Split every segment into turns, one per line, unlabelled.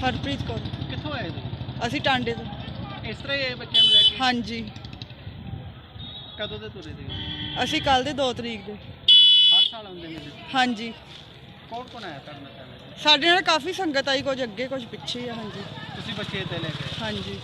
ਹਰਪ੍ਰੀਤ ਕੌਰ।
ਕਿੱਥੋਂ ਆਏ ਤੁਸੀਂ?
ਅਸੀਂ ਟਾਂਡੇ ਤੋਂ।
ਇਸ ਤਰ੍ਹਾਂ ਹੀ ਆਏ ਬੱਚਿਆਂ ਨੂੰ ਲੈ ਕੇ?
ਹਾਂਜੀ।
ਕਦੋਂ ਦੇ ਤੁਰੇ ਸੀ?
ਅਸੀਂ ਕੱਲ ਦੇ 2 ਤਰੀਕ ਦੇ।
ਹਰ ਸਾਲ ਆਉਂਦੇ ਨੇ?
ਹਾਂਜੀ।
ਕੌਣ ਕੌਣ ਆਇਆ ਤੁਹਾਡੇ ਨਾਲ?
ਸਾਡੇ ਨਾਲ ਕਾਫੀ ਸੰਗਤ ਆਈ, ਕੁਝ ਅੱਗੇ ਕੁਝ ਪਿੱਛੇ ਆ। ਹਾਂਜੀ।
ਤੁਸੀਂ ਬੱਚੇ ਤੇ ਲੈ ਕੇ?
ਹਾਂਜੀ।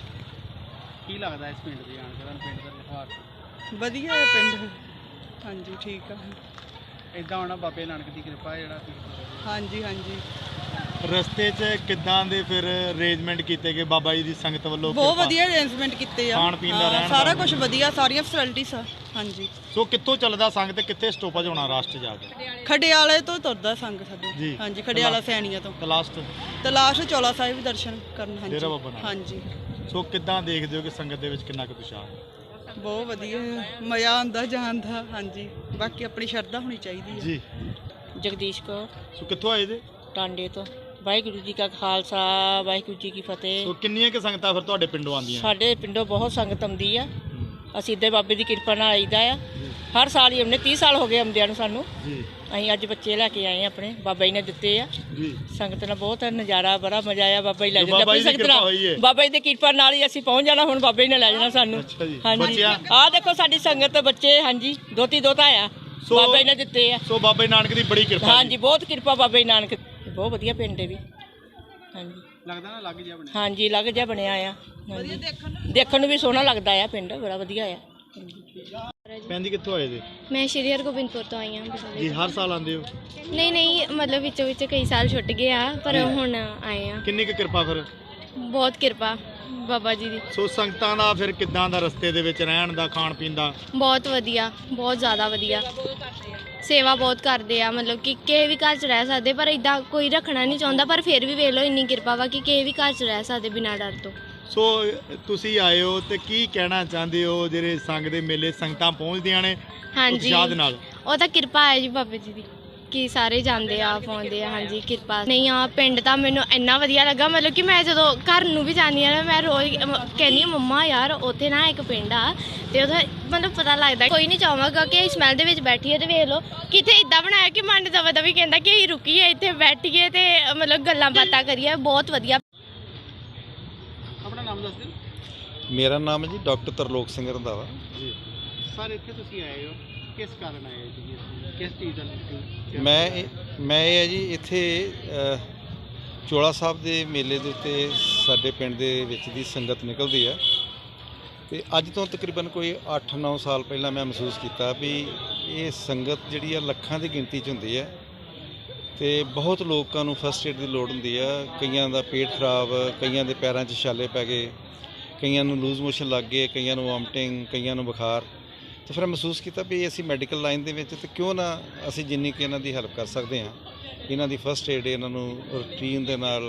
ਕੀ ਲੱਗਦਾ ਇਸ ਪਿੰਡ ਦੀ ਆਣ ਕੇ? ਪਿੰਡ ਦਾ ਵਿਵਹਾਰ
ਵਧੀਆ ਹੈ ਪਿੰਡ। ਹਾਂਜੀ ਠੀਕ ਆ।
ਇਦਾਂ ਹੋਣਾ ਬਾਬੇ ਨਾਨਕ ਦੀ ਕਿਰਪਾ ਜਿਹੜਾ।
ਹਾਂਜੀ ਹਾਂਜੀ।
ਰਸਤੇ 'ਚ ਕਿੱਦਾਂ ਦੇ ਫਿਰ ਅਰੇਂਜਮੈਂਟ ਕੀਤੇ ਗਏ ਬਾਬਾ ਜੀ ਦੀ ਸੰਗਤ ਵੱਲੋਂ?
ਬਹੁਤ ਵਧੀਆ ਅਰੇਂਜਮੈਂਟ ਕੀਤੇ ਆ।
ਖਾਣ ਪੀਣ ਦਾ ਰਹਿਣ
ਸਾਰਾ ਕੁਝ ਵਧੀਆ, ਸਾਰੀਆਂ ਫੈਸਿਲਿਟੀਆਂ ਆ। ਹਾਂਜੀ।
ਸੋ ਕਿੱਥੋਂ ਚੱਲਦਾ ਸੰਗ ਤੇ ਕਿੱਥੇ ਸਟੋਪੇਜ ਹੋਣਾ ਰਾਸਤੇ ਜਾ ਕੇ?
ਖਡਿਆਲੇ ਤੋਂ ਤੁਰਦਾ ਸੰਗ ਸਾਡੇ।
ਜੀ।
ਹਾਂਜੀ ਖਡਿਆਲਾ ਸੈਣੀਆਂ ਤੋਂ।
ਲਾਸਟ
ਚੋਲਾ ਸਾਹਿਬ ਦਰਸ਼ਨ ਕਰਨ। ਹਾਂਜੀ
ਡੇਰਾ ਬਾਬਾ ਨਾਨਕ।
ਹਾਂਜੀ।
ਸੋ ਕਿੱਦਾਂ ਦੇਖਦੇ ਹੋ ਕਿ ਸੰਗਤ ਦੇ ਵਿੱਚ ਕਿੰਨਾ ਕੁ ਉਤਸ਼ਾਹ?
ਬਹੁਤ ਵਧੀਆ, ਮਜ਼ਾ ਆਉਂਦਾ ਜਾਣ ਦਾ। ਹਾਂਜੀ। ਬਾਕੀ ਆਪਣੀ ਸ਼ਰਧਾ ਹੋਣੀ ਚਾਹੀਦੀ ਹੈ।
ਜੀ।
ਜਗਦੀਸ਼ ਕੌਰ,
ਸੋ ਕਿੱਥੋਂ ਆਏ ਜੇ?
ਟਾਂਡੇ ਤੋਂ। ਵਾਹਿਗੁਰੂ ਜੀ ਕਾ ਖਾਲਸਾ, ਵਾਹਿਗੁਰੂ ਜੀ ਕੀ ਫਤਿਹ।
ਸੋ ਕਿੰਨੀਆਂ ਕਿ ਸੰਗਤਾਂ ਫਿਰ ਤੁਹਾਡੇ ਪਿੰਡੋਂ ਆਉਂਦੀਆਂ?
ਸਾਡੇ ਪਿੰਡੋਂ ਬਹੁਤ ਸੰਗਤ ਆਉਂਦੀ ਆ। ਅਸੀਂ ਇੱਦਾਂ ਬਾਬੇ ਦੀ ਕਿਰਪਾ ਨਾਲ ਆਈਦਾ ਆ। ਹਰ ਸਾਲ ਹੀ ਆਉਂਦੇ। 30 ਸਾਲ ਹੋ ਗਏ ਆਉਂਦਿਆਂ ਨੂੰ ਸਾਨੂੰ।
ਜੀ।
ਅਸੀਂ ਅੱਜ ਬੱਚੇ ਲੈ ਕੇ ਆਏ ਆਪਣੇ, ਬਾਬਾ ਜੀ ਨੇ ਦਿੱਤੇ ਆ।
ਜੀ।
ਸੰਗਤ ਨਾਲ ਬਹੁਤ ਨਜ਼ਾਰਾ, ਬੜਾ ਮਜ਼ਾ ਆਇਆ। ਬਾਬਾ ਜੀ ਲੈ
ਬਾਬਾ
ਜਾਂਦੇ
ਜੀ ਦੀ ਕਿਰਪਾ ਹੋਈ ਹੈ।
ਬਾਬਾ ਜੀ ਦੀ ਕਿਰਪਾ ਨਾਲ ਹੀ ਅਸੀਂ ਪਹੁੰਚ ਜਾਣਾ। ਹੁਣ ਬਾਬਾ ਜੀ ਨੇ ਲੈ ਜਾਣਾ ਸਾਨੂੰ।
ਅੱਛਾ ਜੀ।
ਹਾਂਜੀ।
ਬੱਚਿਆਂ?
ਆਹ ਦੇਖੋ ਸਾਡੀ ਸੰਗਤ, ਬੱਚੇ। ਹਾਂਜੀ। ਦੋਤੀ ਦੋਤਾ ਆ। ਬਾਬਾ ਜੀ ਨੇ ਦਿੱਤੇ ਆ।
ਸੋ ਬਾਬਾ ਜੀ ਨਾਨਕ ਦੀ ਬੜੀ ਕਿਰਪਾ।
ਹਾਂਜੀ ਬਹੁਤ ਕਿਰਪਾ ਬਾਬਾ ਜੀ ਨਾਨਕ। ਬਹੁਤ ਵਧੀਆ ਪਿੰਡ ਹੈ ਵੀ। ਹਾਂਜੀ।
ਲੱਗਦਾ ਨਾ ਲੱਗ ਜਿਹਾ ਬਣਿਆ?
ਹਾਂਜੀ ਲੱਗ ਜਿਹਾ ਬਣਿਆ ਆ। ਹਾਂਜੀ। ਦੇਖਣ ਨੂੰ ਵੀ ਸੋਹਣਾ ਲੱਗਦਾ ਆ ਪਿੰਡ, ਬੜਾ ਵਧੀਆ ਆ।
ਭੈਣ ਜੀ ਕਿੱਥੋਂ ਆਏ ਜੇ?
ਮੈਂ ਸ਼੍ਰੀ ਹਰਗੋਬਿੰਦਪੁਰ ਤੋਂ ਆਈ ਹਾਂ।
ਜੀ। ਹਰ ਸਾਲ ਆਉਂਦੇ ਹੋ?
ਨਹੀਂ ਮਤਲਬ ਵਿੱਚੋਂ ਵਿੱਚ ਕਈ ਸਾਲ ਛੁੱਟ ਗਏ ਆ, ਪਰ ਹੁਣ ਆਏ ਆ।
ਕਿੰਨੀ ਕੁ ਕਿਰਪਾ ਫਿਰ?
ਬਹੁਤ ਕਿਰਪਾ ਬਾਬਾ ਜੀ ਦੀ।
ਸੋ ਸੰਗਤਾਂ ਦਾ ਫਿਰ ਕਿੱਦਾਂ ਦਾ ਰਸਤੇ ਦੇ ਵਿੱਚ ਰਹਿਣ ਦਾ, ਖਾਣ ਪੀਣ ਦਾ?
ਬਹੁਤ ਵਧੀਆ, ਬਹੁਤ ਜ਼ਿਆਦਾ ਵਧੀਆ। ਸੇਵਾ ਬਹੁਤ ਕਰਦੇ ਆ। ਮਤਲਬ ਕਿ ਕਿਸੇ ਵੀ ਘਰ 'ਚ ਰਹਿ ਸਕਦੇ, ਪਰ ਇਦਾਂ ਕੋਈ ਰੱਖਣਾ ਨਹੀਂ ਚਾਹੁੰਦਾ। ਪਰ ਫਿਰ ਵੀ ਵੇਖ ਲਓ ਇੰਨੀ ਕਿਰਪਾ ਵਾ ਕਿ ਕਿਸੇ ਵੀ ਘਰ 'ਚ ਰਹਿ ਸਕਦੇ ਬਿਨਾਂ ਡਰ ਤੋਂ।
ਸੋ ਤੁਸੀਂ ਆਏ ਹੋ ਤੇ ਕੀ ਕਹਿਣਾ ਚਾਹੁੰਦੇ ਹੋ ਜਿਹੜੇ ਸੰਗ ਦੇ ਮੇਲੇ ਸੰਗਤਾਂ ਪਹੁੰਚਦੀਆਂ ਨੇ
ਹਾਂਜੀ
ਉਤਸ਼ਾਹ ਦੇ ਨਾਲ?
ਉਹ ਤਾਂ ਕਿਰਪਾ ਹੈ ਜੀ ਬਾਬੇ ਜੀ ਦੀ ਕਿ ਸਾਰੇ ਜਾਂਦੇ ਆ, ਪਾਉਂਦੇ ਆ। ਹਾਂਜੀ ਕਿਰਪਾ। ਨਹੀਂ ਆ ਪਿੰਡ ਤਾਂ ਮੈਨੂੰ ਇੰਨਾ ਵਧੀਆ ਲੱਗਾ। ਮਤਲਬ ਕਿ ਮੈਂ ਜਦੋਂ ਘਰ ਨੂੰ ਵੀ ਜਾਂਦੀ ਆ ਨਾ, ਮੈਂ ਰੋਜ਼ ਕਹਿੰਦੀ ਹਾਂ ਮੰਮਾ ਯਾਰ ਉੱਥੇ ਨਾ ਇੱਕ ਪਿੰਡ ਆ ਤੇ ਉਹਦਾ ਮਤਲਬ ਪਤਾ ਲੱਗਦਾ। ਕੋਈ ਨਹੀਂ ਚਾਹਾਂਗਾ ਕਿ ਸਮੈਲ ਦੇ ਵਿੱਚ ਬੈਠੀਏ ਤੇ ਵੇਖ ਲਓ ਕਿਤੇ ਇੱਦਾਂ ਬਣਾਇਆ ਕਿ ਮਨ ਦਵਾ ਦਵੀ ਕਹਿੰਦਾ ਕਿ ਅਸੀਂ ਰੁਕੀਏ ਇੱਥੇ, ਬੈਠੀਏ ਤੇ ਮਤਲਬ ਗੱਲਾਂ ਬਾਤਾਂ ਕਰੀਏ। ਬਹੁਤ ਵਧੀਆ।
ਆਪਣਾ ਨਾਮ ਦੱਸ ਦਿਓ।
ਮੇਰਾ ਨਾਮ ਹੈ ਜੀ ਡਾਕਟਰ ਤਰਲੋਕ ਸਿੰਘ ਰੰਧਾਵਾ
ਜੀ। ਸਰ ਇੱਥੇ ਤੁਸੀਂ ਆਏ ਹੋ, ਕਿਸ ਕਾਰਨ ਆਏ ਹੋ ਜੀ? ਕਿਸ ਚੀਜ਼ ਦਾ?
ਮੈਂ ਇਹ ਹੈ ਜੀ ਇੱਥੇ ਚੋਲਾ ਸਾਹਿਬ ਦੇ ਮੇਲੇ ਦੇ ਉੱਤੇ ਸਾਡੇ ਪਿੰਡ ਦੇ ਵਿੱਚ ਦੀ ਸੰਗਤ ਨਿਕਲਦੀ ਆ ਤੇ ਅੱਜ ਤੋਂ ਤਕਰੀਬਨ ਕੋਈ 8-9 ਸਾਲ ਪਹਿਲਾਂ ਮੈਂ ਮਹਿਸੂਸ ਕੀਤਾ ਵੀ ਇਹ ਸੰਗਤ ਜਿਹੜੀ ਆ ਲੱਖਾਂ ਦੀ ਗਿਣਤੀ 'ਚ ਹੁੰਦੀ ਹੈ ਤੇ ਬਹੁਤ ਲੋਕਾਂ ਨੂੰ ਫਸਟ ਏਡ ਦੀ ਲੋੜ ਹੁੰਦੀ ਆ। ਕਈਆਂ ਦਾ ਪੇਟ ਖਰਾਬ, ਕਈਆਂ ਦੇ ਪੈਰਾਂ 'ਚ ਛਾਲੇ ਪੈ ਗਏ, ਕਈਆਂ ਨੂੰ ਲੂਜ਼ ਮੋਸ਼ਨ ਲੱਗ ਗਏ, ਕਈਆਂ ਨੂੰ ਵੋਮਟਿੰਗ, ਕਈਆਂ ਨੂੰ ਬੁਖਾਰ। ਤੇ ਫਿਰ ਮਹਿਸੂਸ ਕੀਤਾ ਵੀ ਅਸੀਂ ਮੈਡੀਕਲ ਲਾਈਨ ਦੇ ਵਿੱਚ ਤੇ ਕਿਉਂ ਨਾ ਅਸੀਂ ਜਿੰਨੀ ਕਿ ਇਹਨਾਂ ਦੀ ਹੈਲਪ ਕਰ ਸਕਦੇ ਹਾਂ, ਇਹਨਾਂ ਦੀ ਫਸਟ ਏਡ ਇਹਨਾਂ ਨੂੰ ਰੂਟੀਨ ਦੇ ਨਾਲ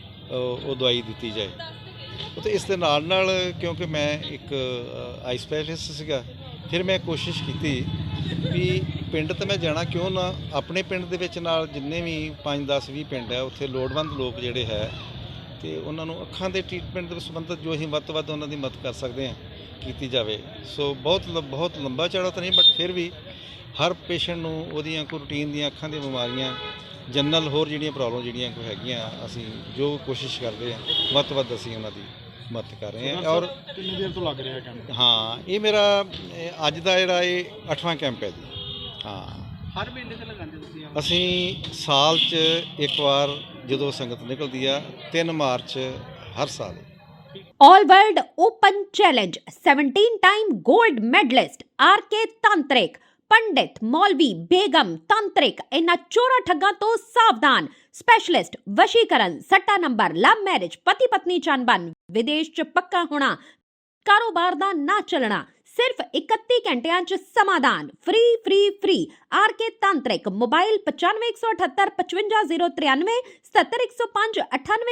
ਉਹ ਦਵਾਈ ਦਿੱਤੀ ਜਾਏ। ਅਤੇ ਇਸ ਦੇ ਨਾਲ ਨਾਲ ਕਿਉਂਕਿ ਮੈਂ ਇੱਕ ਆਈ ਸਪੈਸ਼ਲਿਸਟ ਸੀਗਾ, ਫਿਰ ਮੈਂ ਕੋਸ਼ਿਸ਼ ਕੀਤੀ ਵੀ ਪਿੰਡ ਤਾਂ ਮੈਂ ਜਾਣਾ ਕਿਉਂ ਨਾ, ਆਪਣੇ ਪਿੰਡ ਦੇ ਵਿੱਚ ਨਾਲ ਜਿੰਨੇ ਵੀ 5-10-20 ਪਿੰਡ ਹੈ ਉੱਥੇ ਲੋੜਵੰਦ ਲੋਕ ਜਿਹੜੇ ਹੈ ਤੇ ਉਹਨਾਂ ਨੂੰ ਅੱਖਾਂ ਦੇ ਟ੍ਰੀਟਮੈਂਟ ਦੇ ਸੰਬੰਧਿਤ ਜੋ ਅਸੀਂ ਵੱਧ ਤੋਂ ਵੱਧ ਉਹਨਾਂ ਦੀ ਮਦਦ ਕਰ ਸਕਦੇ ਹਾਂ ਕੀਤੀ ਜਾਵੇ। ਸੋ ਬਹੁਤ ਲੰਬਾ ਚੌੜਾ ਤਾਂ ਨਹੀਂ, ਬਟ ਫਿਰ ਵੀ ਹਰ ਪੇਸ਼ੈਂਟ ਨੂੰ ਉਹਦੀਆਂ ਕੋਈ ਰੂਟੀਨ ਦੀਆਂ ਅੱਖਾਂ ਦੀਆਂ ਬਿਮਾਰੀਆਂ, ਜਨਰਲ ਹੋਰ ਜਿਹੜੀਆਂ ਪ੍ਰੋਬਲਮ ਜਿਹੜੀਆਂ ਕੋਈ ਹੈਗੀਆਂ, ਅਸੀਂ ਜੋ ਕੋਸ਼ਿਸ਼ ਕਰਦੇ ਹਾਂ ਵੱਧ ਤੋਂ ਵੱਧ ਅਸੀਂ ਉਹਨਾਂ ਦੀ ਮਦਦ ਕਰ ਰਹੇ ਹਾਂ। ਔਰ
ਕਿੰਨੀ ਦੇਰ ਤੋਂ ਲੱਗ ਰਿਹਾ ਕੈਂਪ?
ਹਾਂ ਇਹ ਮੇਰਾ ਅੱਜ ਦਾ ਜਿਹੜਾ ਇਹ 8ਵਾਂ ਕੈਂਪ ਹੈ ਜੀ। ਹਾਂ
ਹਰ ਮੇਲੇ ਤੇ ਲਗਾਉਂਦੇ ਤੁਸੀਂ?
ਅਸੀਂ ਸਾਲ 'ਚ ਇੱਕ ਵਾਰ ਜਦੋਂ ਸੰਗਤ ਨਿਕਲਦੀ ਆ 3 ਮਾਰਚ ਹਰ ਸਾਲ।
All World Open Challenge 17-time gold medalist RK Tantrik, ਪੰਡਿਤ ਮੌਲਵੀ ਬੇਗਮ ਤਾਂਤਰਿਕ ਇਹਨਾਂ ਚੋਰਾਂ ਠੱਗਾਂ ਤੋਂ ਸਾਵਧਾਨ। ਸਪੈਸ਼ਲਿਸਟ ਵਸ਼ੀਕਰਨ, ਸੱਟਾ ਨੰਬਰ, ਲਵ ਮੈਰਿਜ, ਪਤੀ ਪਤਨੀ ਚੰਬਨ, ਵਿਦੇਸ਼ 'ਚ ਪੱਕਾ ਹੋਣਾ, ਕਾਰੋਬਾਰ ਦਾ ਨਾ ਚੱਲਣਾ, ਸਿਰਫ 31 ਘੰਟਿਆਂ 'ਚ ਸਮਾਧਾਨ। ਫ੍ਰੀ RK ਤਾਂਤਰਿਕ। ਮੋਬਾਈਲ 9518 55093 77105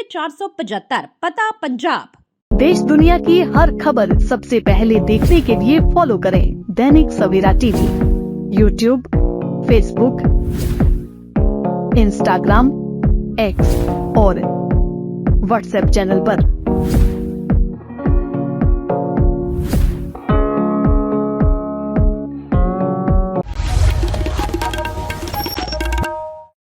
98475। पता पंजाब।
देश दुनिया की हर खबर सबसे पहले देखने के लिए फॉलो करें Dainik Savera TV, YouTube, Facebook, Instagram, X और व्हाट्सएप चैनल पर।